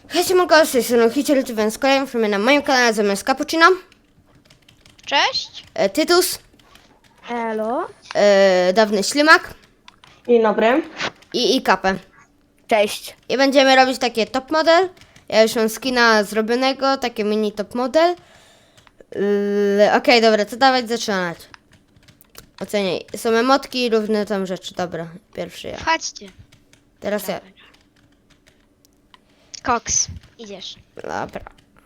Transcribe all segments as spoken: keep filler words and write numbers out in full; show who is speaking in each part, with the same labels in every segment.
Speaker 1: Hej, siemanko, z tej strony Hitler, więc kolejny film na moim kanale zamiast Cappuccino,
Speaker 2: Cześć.
Speaker 1: e, Tytus,
Speaker 3: Elo.
Speaker 1: e, Dawny Ślimak
Speaker 4: Dzień dobry.
Speaker 1: i, i Kapę.
Speaker 3: Cześć.
Speaker 1: I będziemy robić takie top model. Ja już mam skina zrobionego, takie mini top model. Yy, Okej, dobra, to dawać zaczynać. Oceniaj. Są emotki i różne tam rzeczy. Dobra, pierwszy ja.
Speaker 2: Chodźcie.
Speaker 1: Teraz ja.
Speaker 2: Koks. Idziesz.
Speaker 1: Dobra.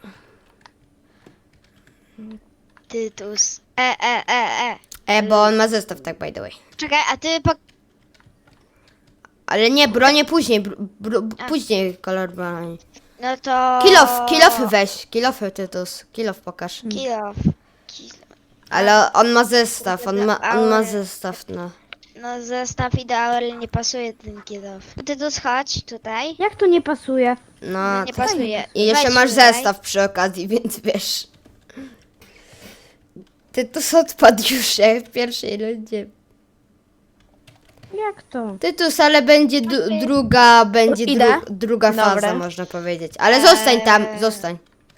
Speaker 2: Tytus. E, e, e, e.
Speaker 1: E, bo on ma zestaw, tak by the way.
Speaker 2: Czekaj, a ty po...
Speaker 1: Ale nie, bronię później, br, br,
Speaker 2: A.
Speaker 1: później kolor broni.
Speaker 2: No to...
Speaker 1: Kilof, kilofy weź, kilofy Tytus, kilof pokaż.
Speaker 2: Kilof. Kilof.
Speaker 1: Ale on ma zestaw, on ma, on ma
Speaker 2: Ale-
Speaker 1: zestaw, no.
Speaker 2: No zestaw idealny nie pasuje ten kilof. Tytus, chodź tutaj.
Speaker 3: Jak to nie pasuje?
Speaker 1: No,
Speaker 2: Nie
Speaker 1: to-
Speaker 2: pasuje.
Speaker 1: I jeszcze
Speaker 2: Weź
Speaker 1: masz
Speaker 2: tutaj.
Speaker 1: zestaw przy okazji, więc wiesz. Tytus odpadł już jak w pierwszej rundzie.
Speaker 3: Jak to?
Speaker 1: Tytus, ale będzie d- druga, będzie
Speaker 3: Idę.
Speaker 1: dru- druga faza,
Speaker 3: Dobra.
Speaker 1: można powiedzieć. Ale zostań tam,
Speaker 2: Eee.
Speaker 1: zostań.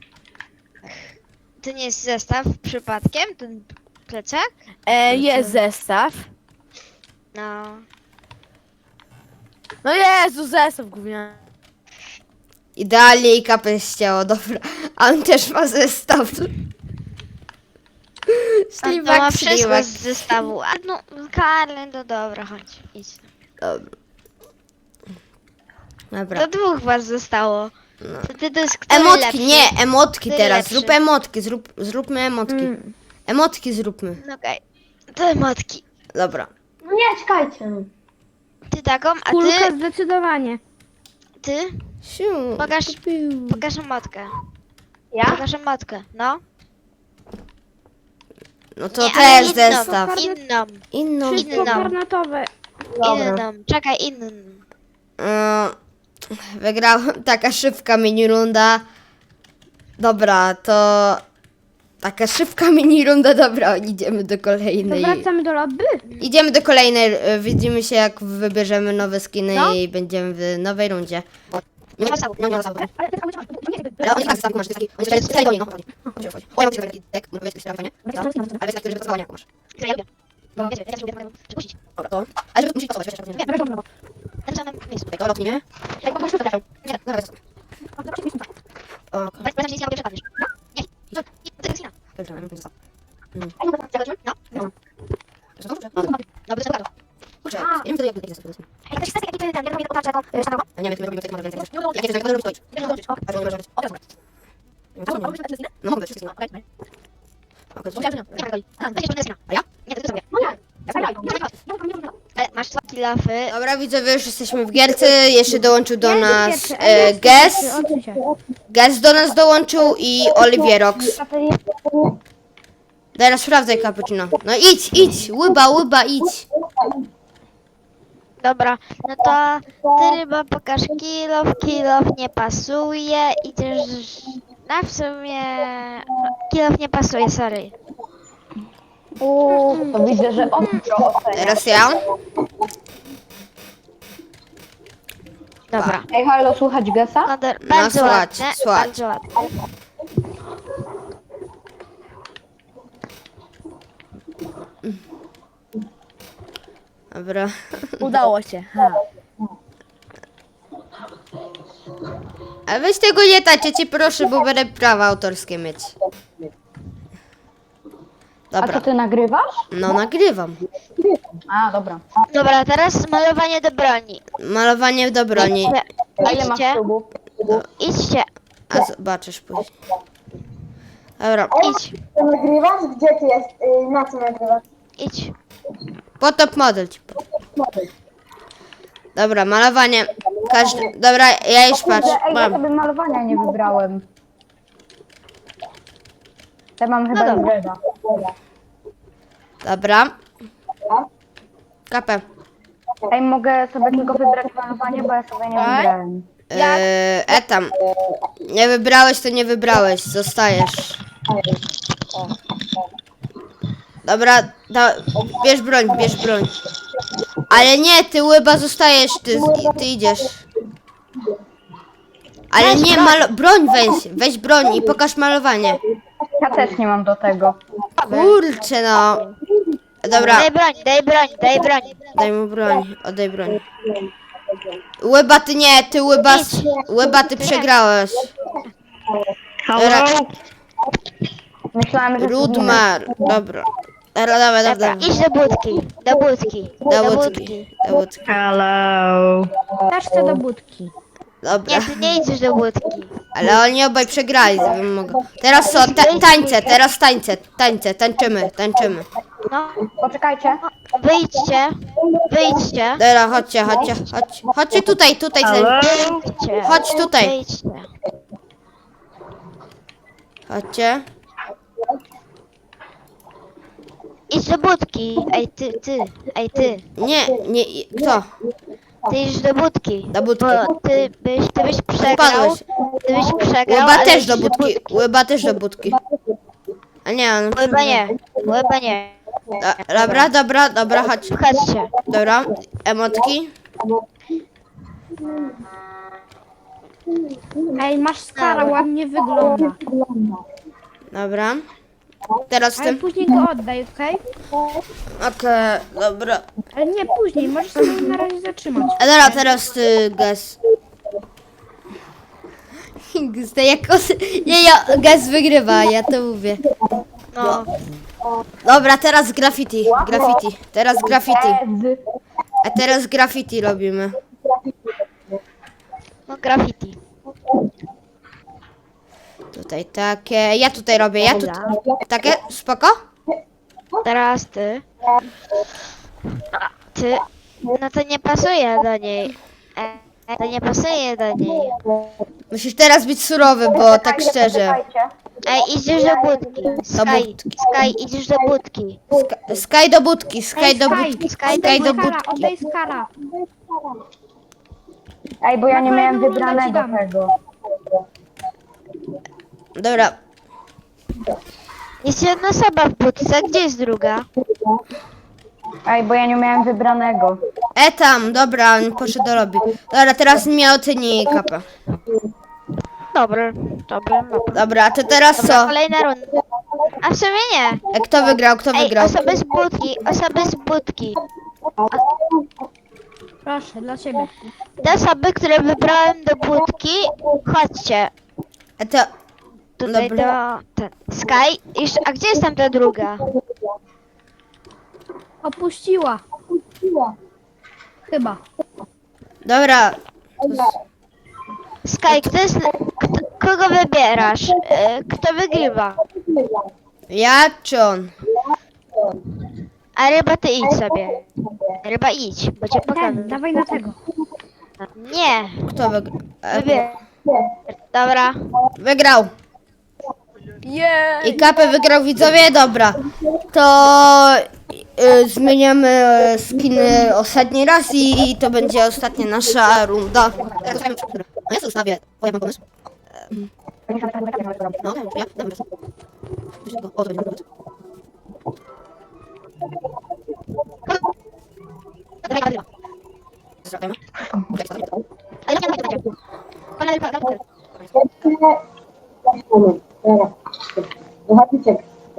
Speaker 2: To nie jest zestaw przypadkiem, ten plecak?
Speaker 3: E, jest zestaw.
Speaker 2: No.
Speaker 3: No Jezu, zestaw gówniany.
Speaker 1: Idealnie i kapę ścięło, dobra. A on też ma zestaw.
Speaker 2: A to ma
Speaker 1: Ślimak,
Speaker 2: wszystko
Speaker 1: ślimak.
Speaker 2: z zestawu. A no, Karl, no dobra, chodź. Idź.
Speaker 1: Dobra. Dobra.
Speaker 2: Do dwóch was zostało.
Speaker 1: No.
Speaker 2: To ty to jest kto
Speaker 1: Emotki,
Speaker 2: lepszy?
Speaker 1: nie, emotki
Speaker 2: Ty
Speaker 1: teraz.
Speaker 2: lepszy.
Speaker 1: Zrób emotki, zrób, zróbmy emotki.
Speaker 3: Mm.
Speaker 1: Emotki zróbmy.
Speaker 2: No okej. To emotki.
Speaker 1: Dobra.
Speaker 4: No nie, czekajcie.
Speaker 2: Ty taką, a
Speaker 3: Kulka
Speaker 2: ty,
Speaker 3: zdecydowanie.
Speaker 2: ty,
Speaker 1: Siu.
Speaker 2: Pokaż-
Speaker 1: Piu.
Speaker 2: pokaż emotkę.
Speaker 4: Ja?
Speaker 2: Pokaż emotkę, no.
Speaker 1: No to
Speaker 2: Nie, ale
Speaker 1: też
Speaker 2: inną,
Speaker 1: zestaw.
Speaker 2: Inną,
Speaker 1: Inną.
Speaker 3: Wszystko
Speaker 2: Inną.
Speaker 3: karnatowe.
Speaker 4: Dobra.
Speaker 2: inną, czekaj, inną.
Speaker 1: Mm, Wygrałem taka szybka mini runda. Dobra, to taka szybka mini runda. Dobra, idziemy do
Speaker 3: To
Speaker 1: kolejnej.
Speaker 3: wracamy do lobby?
Speaker 1: Idziemy do kolejnej. e, Widzimy się, jak wybierzemy nowe skiny
Speaker 3: No.
Speaker 1: i będziemy w nowej rundzie. Nie ma zasabu, nie ma zasabu.
Speaker 3: Ale to jest
Speaker 1: Ale on nie tak zestawu masz, to jest taki, on jest taki, do niego, chodzi. Chodzi, chodzi. O, ja mam taki deck, może powiedzieć, że nie? No, ale jest taki, który pasował, nie masz.
Speaker 2: Które ja lubię. Bo wiecie, ja też lubię przypuścić.
Speaker 1: Dobra, to. Ale żeby musisz pasować, wiesz, jak to nie.
Speaker 2: W tym samym miejscu.
Speaker 1: Okej, to lotnie.
Speaker 2: Jak po prostu to
Speaker 1: Nie, dobra, jest. O,
Speaker 2: Weź, weź, nie przepadniesz. No, nie. I to to jest inna.
Speaker 1: dobra, ja bym został.
Speaker 2: Zakończymy? No.
Speaker 1: No. To jest to?
Speaker 2: No, bez tego.
Speaker 1: Kurczę, ja nie wiem wtedy, jak jak jest to powiedzmy.
Speaker 2: Ej, ktoś chce jaki ty ten, ja robię taką taczką. Szanową?
Speaker 1: Ja nie wiem, czy my robimy tego więcej. Jak jest, jak będę robić, to idź.
Speaker 2: Będziesz robić.
Speaker 1: A to nie możesz robić. O, teraz. No mogę, wszystkie. Okej,
Speaker 2: Nie ma goli. A, będziesz robić skina.
Speaker 1: A ja?
Speaker 2: Nie, to ty sobie. Ale masz dwa kilafy.
Speaker 1: Dobra, widzowie, już jesteśmy w gierce. Jeszcze dołączył do
Speaker 3: Ja
Speaker 1: nas
Speaker 3: pierwszy, a
Speaker 1: e,
Speaker 3: ja
Speaker 1: Gez.
Speaker 3: pierwszy, odsuń się.
Speaker 1: Gez do nas dołączył i Olivierox. Teraz sprawdzaj, Cappuccino. No idź, idź, łyba, łyba, idź.
Speaker 2: Dobra, no to ty ryba pokaż kilof, kilof nie pasuje i też na w sumie no, kilof nie pasuje, sorry.
Speaker 4: Uuu, to widzę, że ostro ocenia.
Speaker 1: Teraz ja.
Speaker 2: Dobra.
Speaker 4: Ej, halo, słuchać Gesa?
Speaker 2: No, do, bardzo
Speaker 1: słuchać,
Speaker 2: ładne,
Speaker 1: słuchać.
Speaker 2: bardzo ładne.
Speaker 1: Dobra.
Speaker 3: Udało się. Ha.
Speaker 1: A weź tego nie tacie, cię proszę, bo będę prawa autorskie mieć.
Speaker 4: A
Speaker 1: Dobra.
Speaker 4: to ty nagrywasz?
Speaker 1: No nagrywam.
Speaker 4: A, dobra.
Speaker 2: Dobra, teraz malowanie do broni.
Speaker 1: Malowanie do broni.
Speaker 4: A ile masz
Speaker 2: Idźcie,
Speaker 4: ślubów?
Speaker 2: idźcie,
Speaker 1: A zobaczysz później. Dobra.
Speaker 2: idź,
Speaker 5: Ty nagrywasz? Gdzie ty jest? y, Na co nagrywasz?
Speaker 2: idź.
Speaker 1: Po top model ci powiem. Dobra, malowanie. Każdy. Dobra, ja już patrz.
Speaker 4: Ej, ja
Speaker 1: Mam.
Speaker 4: sobie malowania nie wybrałem. Ja mam chyba
Speaker 2: No dobra.
Speaker 4: Reda.
Speaker 1: Dobra. Kapę.
Speaker 4: Ej, mogę sobie tylko wybrać malowanie, bo ja sobie nie wybrałem.
Speaker 1: Eee, e tam. Nie wybrałeś, to nie wybrałeś. Zostajesz. Dobra, da, bierz broń, bierz broń. Ale nie, ty łyba zostajesz, ty, ty idziesz. Ale
Speaker 2: Weź
Speaker 1: nie,
Speaker 2: broń.
Speaker 1: malo... broń weź, weź broń i pokaż malowanie.
Speaker 4: Ja też nie mam do tego.
Speaker 1: Kurczę no. Dobra,
Speaker 2: Daj broń, daj broń, daj broń.
Speaker 1: daj mu broń, oddaj broń. Łyba, ty nie, ty łyba, łyba, ty przegrałeś. Dobra,
Speaker 4: Myślałem, że...
Speaker 1: Rudmar, dobra. Dobra, dobra, dobra.
Speaker 2: Dobra, idź do budki, do budki,
Speaker 1: Do
Speaker 2: do
Speaker 1: budki,
Speaker 2: budki.
Speaker 1: do budki.
Speaker 4: Hello.
Speaker 3: Też chcę do budki.
Speaker 1: Dobra,
Speaker 2: Nie, ty nie idziesz do budki.
Speaker 1: ale oni obaj przegrali, żebym mogła. Teraz co, ta, tańce, teraz tańce, tańce, tańczymy, tańczymy.
Speaker 2: No,
Speaker 4: Poczekajcie.
Speaker 2: wyjdźcie, wyjdźcie,
Speaker 1: Dobra, chodźcie, chodźcie, chodź, chodźcie tutaj, tutaj,
Speaker 2: wyjdźcie.
Speaker 1: Chodź tutaj.
Speaker 2: Wyjdźcie.
Speaker 1: chodźcie.
Speaker 2: Idź do budki. Ej, ty, ty, ej, ty.
Speaker 1: Nie, nie, kto?
Speaker 2: Ty idź do budki.
Speaker 1: Do budki.
Speaker 2: Bo ty byś, ty byś przegrał.
Speaker 1: Spadłeś.
Speaker 2: Ty byś przegrał,
Speaker 1: Łyba
Speaker 2: ale
Speaker 1: też
Speaker 2: idź
Speaker 1: do budki, łyba też do budki. A nie, on...
Speaker 2: Łyba nie, łyba nie.
Speaker 1: Do- Dobra, dobra, dobra, chodź.
Speaker 2: Chodźcie.
Speaker 1: Dobra, emotki.
Speaker 3: Ej, masz skara, ładnie wygląda.
Speaker 1: Dobra. Teraz
Speaker 3: Ale
Speaker 1: tym.
Speaker 3: później go oddaj, okej?
Speaker 1: Okej, dobra.
Speaker 3: Ale nie później, możesz sobie na razie zatrzymać.
Speaker 1: A dobra, teraz ty, Gaz. Gaz, to jak os... Nie, ja, Gaz wygrywa, ja to mówię.
Speaker 2: No,
Speaker 1: Dobra, teraz graffiti, graffiti. Teraz graffiti.
Speaker 4: Z...
Speaker 1: A teraz graffiti robimy.
Speaker 2: no graffiti.
Speaker 1: Tutaj takie, ja tutaj robię, ja tutaj. Takie, spoko?
Speaker 2: Teraz ty. A, ty. No to nie pasuje do niej. E, to nie pasuje do niej.
Speaker 1: Musisz teraz być surowy, bo tak szczerze.
Speaker 4: Poczekajcie.
Speaker 2: Ej, idziesz do budki. Sky,
Speaker 1: budki.
Speaker 2: Sky, idziesz do budki.
Speaker 1: Sk- Sky do budki, Sky do budki,
Speaker 2: Sky,
Speaker 1: Sky do
Speaker 3: Skara,
Speaker 1: budki.
Speaker 3: oddaj skara.
Speaker 4: Ej, bo ja nie
Speaker 3: Na
Speaker 4: miałem
Speaker 3: kolejną rundę ci
Speaker 4: wybranego
Speaker 3: dam.
Speaker 4: tego.
Speaker 1: Dobra,
Speaker 2: Jest jedna osoba w budce, gdzie jest druga?
Speaker 4: Ej, bo ja nie miałem wybranego.
Speaker 1: e tam, dobra, on poszedł do lobby. Dobra, teraz mnie oceni kapę.
Speaker 2: Dobry, dobry, dobry.
Speaker 1: Dobra, to teraz
Speaker 2: Dobra,
Speaker 1: co?
Speaker 2: kolejna runda. A w sumie nie.
Speaker 1: E, Kto wygrał, kto
Speaker 2: Ej,
Speaker 1: wygrał?
Speaker 2: osoby z budki, osoby z budki.
Speaker 3: Proszę, dla ciebie.
Speaker 2: Te osoby, które wybrałem do budki, chodźcie.
Speaker 1: E, to,
Speaker 2: Tutaj
Speaker 1: Dobra.
Speaker 2: do... Ten, Sky, jeszcze, a gdzie jest tam ta druga?
Speaker 3: Opuściła. Chyba.
Speaker 1: dobra,
Speaker 2: Sky, kto jest... Kto, kogo wybierasz? E, Kto wygrywa?
Speaker 1: ja czy on?
Speaker 2: A ryba, ty idź sobie. Ryba, idź, bo cię
Speaker 3: Ten,
Speaker 2: pokażę.
Speaker 3: dawaj na tego.
Speaker 2: Nie,
Speaker 1: Kto wygrał? E,
Speaker 2: wybierz. Dobra.
Speaker 1: wygrał.
Speaker 3: Jej!
Speaker 1: I kapę wygrał widzowie, dobra. To y, zmieniamy e, skiny ostatni raz i, i to będzie ostatnia nasza runda. No ja sobie ustawię, bo ja mam pomysł. No, ja, dam pomysł. O, to będzie pomysł. Zrobimy.
Speaker 2: Ale nie, nie, nie, nie. Ona ryba, ryba.
Speaker 5: Zobaczycie.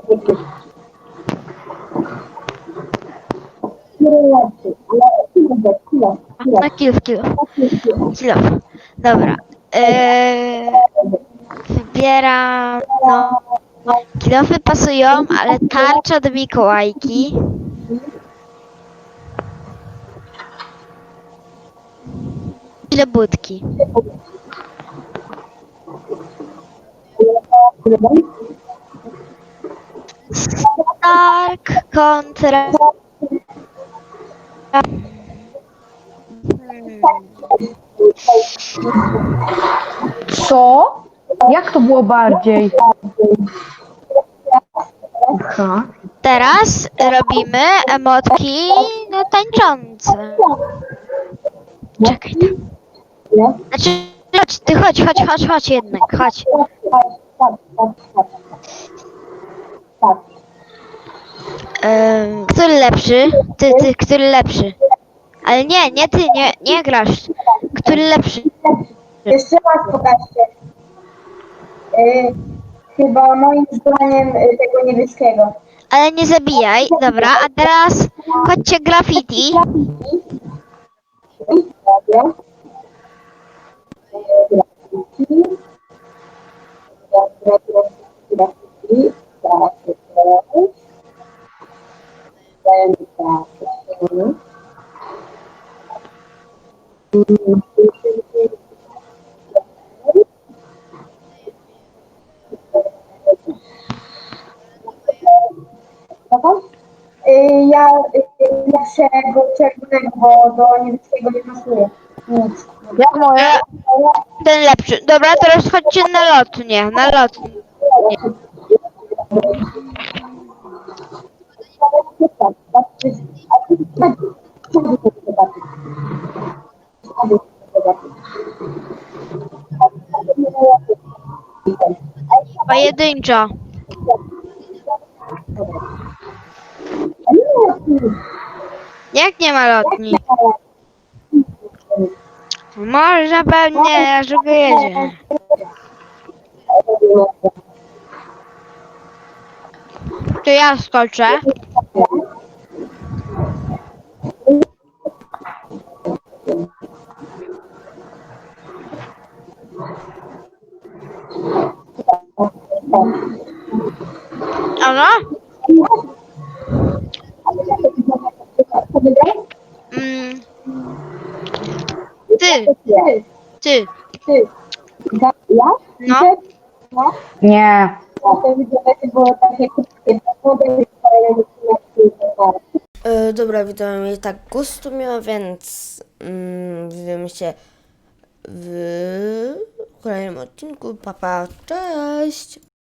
Speaker 2: Na kill, kill. Kill. Dobra. Eee, wybieram, no, kilofy pasują, ale tarcza do Mikołajki. I do budki. Stark kontra...
Speaker 4: Co? Jak to było bardziej? Aha.
Speaker 2: Teraz robimy emotki no, tańczące. Czekaj tam. Znaczy, chodź, ty chodź, chodź, chodź, chodź jednak, chodź. Ym, który lepszy? Ty, ty, który lepszy? Ale nie, nie ty, nie, nie grasz. Który lepszy?
Speaker 5: Jeszcze raz pokażcie. Y, chyba moim zdaniem y, tego niebieskiego.
Speaker 2: Ale nie zabijaj, dobra, a teraz chodźcie graffiti.
Speaker 5: Dobra. Grafiki. Grafiki. Tak, dajemy tak. Dobra? Y, Ja y, lepszego czerwonego, bo do niebieskiego nie pasuje. Nic.
Speaker 4: Jak moje?
Speaker 2: Ten lepszy. Dobra, teraz chodźcie na lotnię, na lotnię. Pojedynczo. Jak nie ma lotni? Może pewnie, aż jedzie. To ja skoczę. Ano? Mm. Ty, ty.
Speaker 5: Ja?
Speaker 2: No.
Speaker 4: Nie.
Speaker 5: To widzowie było takie krótkie, model,
Speaker 1: E, dobra, widzowie, mnie tak gustu miała, więc mm, widzimy się w kolejnym odcinku. Pa, pa, cześć!